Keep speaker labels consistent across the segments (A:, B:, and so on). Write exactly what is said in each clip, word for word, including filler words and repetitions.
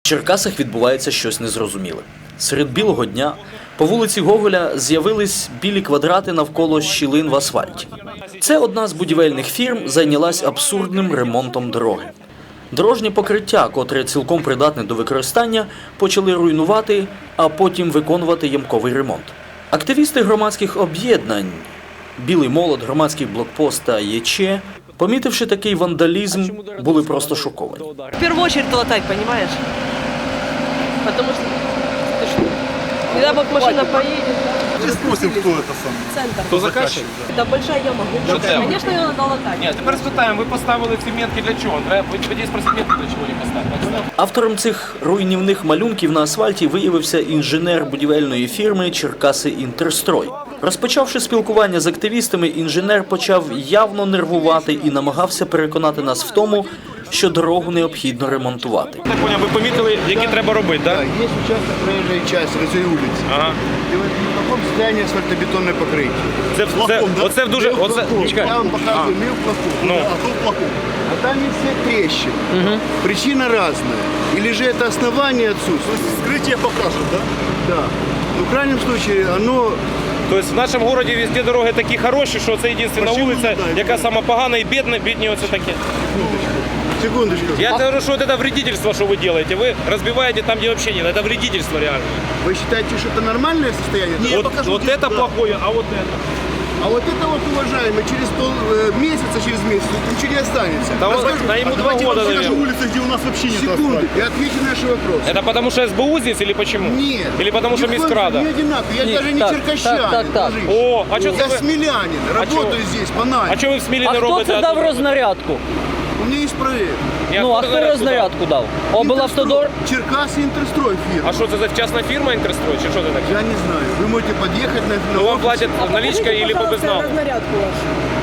A: В Черкасах відбувається щось незрозуміле. Серед білого дня по вулиці Гоголя з'явились білі квадрати навколо щілин в асфальті. Це одна з будівельних фірм зайнялась абсурдним ремонтом дороги. Дорожнє покриття, котре цілком придатне до використання, почали руйнувати, а потім виконувати ямковий ремонт. Активісти громадських об'єднань «Білий молот», «Громадський блокпост» та ЄЧ, помітивши такий вандалізм, були просто шоковані.
B: В первую очередь латать, понимаешь? Потому что, ты что, не дай бог машина поедет.
C: Мы спросим, кто это сам.
B: Центр.
C: Кто заказчик?
B: Да большая яма.
D: це?
B: Конечно, ее надо латать.
D: Ні, тепер спитаємо, ви поставили ці метки для чого? Треба тоді спросити метки для чого їх поставили.
A: Автором цих руйнівних малюнків на асфальті виявився інженер будівельної фірми «Черкаси Інтерстрой». Розпочавши спілкування з активістами, інженер почав явно нервувати і намагався переконати нас в тому, що дорогу необхідно ремонтувати.
D: Так поняв, ви помітили, які треба робити, так?
C: Да, есть участок проезжей части на цій вулиці.
D: Ага.
C: І в такому стані асфальтобетонне покриття.
D: Це, це,
C: Плаком, да?
D: оце дуже... Оце, чекай.
C: Я вам показую мил плаком,
D: Ну.
C: а тут плаком. А там есть все трещины. Причина разная. Или же это основание отсутствует. Скрытие покажет, да? Да. Но в крайнем случае оно...
D: Тобто в нашому місті везде дороги такі хороші, що це єдина вулиця, яка сама погана і бідна, бідні оце такі.
C: Секундочку.
D: Я говорю, що це вредительство, що ви робите. Ви розбиваєте там, де взагалі нет. Це вредительство реально.
C: Вы считаете, что это нормальное состояние?
D: Вот, вот это плохое, а вот это.
C: А вот это вот, уважаемый, через пол э, месяца, через месяц ничего не останется.
D: Да вот, да ему два года, наверное.
C: улицы, где у нас вообще нет Секунду, и ответьте на наш вопрос.
D: Это потому что СБУ здесь или почему?
C: Нет.
D: Или потому что Мискрада?
C: Не одинаково. Я
A: Нет,
C: даже не
A: так,
C: черкащанин.
A: так, так, так.
C: дружище.
D: О, а что
C: Я
D: вы...
C: смелянин, работаю
D: чё?
C: здесь, по найме.
D: А что вы в Смілі
E: А
D: не
E: хто
D: робите?
E: це дав рознарядку?
C: У меня есть проект.
D: Я
E: Ну, а
D: откуда
E: хто
D: знаю,
E: рознарядку дав? Облавтодор?
C: Интерстрой. Черкас Интерстрой фирма.
D: А что это за частная фирма Интерстрой? Чи что это такое?
C: Я не знаю. Вы можете подъехать на... на
D: Ну вам
C: офис.
D: платят наличкой или по безналу?
B: Разнарядку вашу.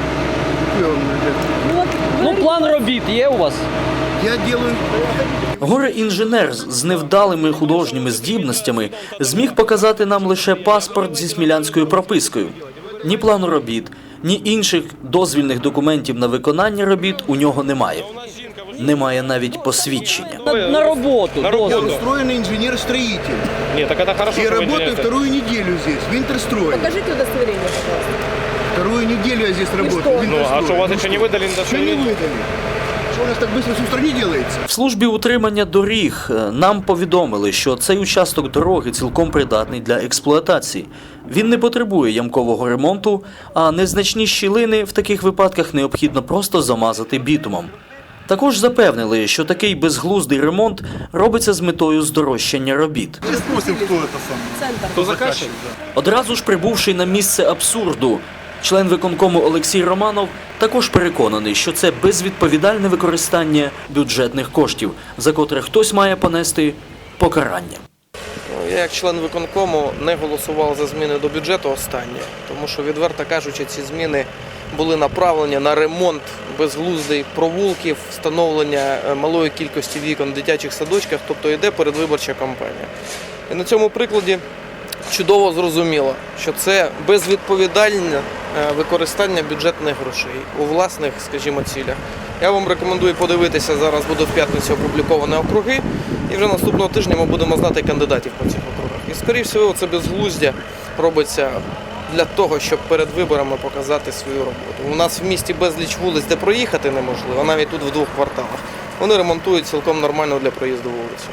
C: Я
E: Ну, план робіт є у вас?
C: Я делаю...
A: Горе-інженер з невдалими художніми здібностями зміг показати нам лише паспорт зі смілянською пропискою. Ні плану робіт, ні інших дозвільних документів на виконання робіт у нього немає. Немає навіть посвідчення.
E: На, на роботу.
D: На
E: дозвіл.
C: Я
D: роботу.
C: устроенный инженер-строитель.
D: Нет, так это хорошо,
C: Я
D: что вы
C: работаю
D: инженер.
C: вторую неделю здесь, в Интерстрое.
B: Покажите удостоверение, пожалуйста.
C: Вторую неделю я здесь работаю,
B: что?
C: в
D: Ну, а
C: Интерстрое.
D: что, у вас еще не выдали
C: Что не выдали? Что у нас так быстро с утра не делается?
A: В службі утримання доріг е, нам повідомили, що цей участок дороги цілком придатний для експлуатації. Він не потребує ямкового ремонту, а незначні щілини в таких випадках необхідно просто замазати бітумом. Також запевнили, що такий безглуздий ремонт робиться з метою здорожчання робіт.
C: Мы спросим, кто это сам.
B: Центр.
D: Кто заказчик?
A: Одразу ж прибувши на місце абсурду, член виконкому Олексій Романов також переконаний, що це безвідповідальне використання бюджетних коштів, за котре хтось має понести покарання.
F: Я як член виконкому не голосував за зміни до бюджету останнє, тому що, відверто кажучи, ці зміни були направлені на ремонт безглуздих провулків, встановлення малої кількості вікон в дитячих садочках, тобто йде передвиборча кампанія. І на цьому прикладі чудово зрозуміло, що це безвідповідальне використання бюджетних грошей у власних, скажімо, цілях. Я вам рекомендую подивитися, зараз буде в п'ятницю опубліковані округи, і вже наступного тижня ми будемо знати кандидатів по цих округах. І, скоріше всього, це безглуздя робиться для того, щоб перед виборами показати свою роботу. У нас в місті безліч вулиць, де проїхати неможливо, навіть тут в двох кварталах. Вони ремонтують цілком нормально для проїзду вулицю.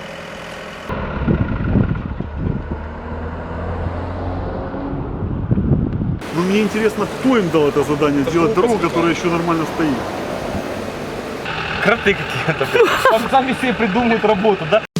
G: Ну, мне интересно, кто им дал это задание, сделать дорогу, которая еще нормально стоит.
D: Кроты какие-то. Там сами себе придумают работу, да?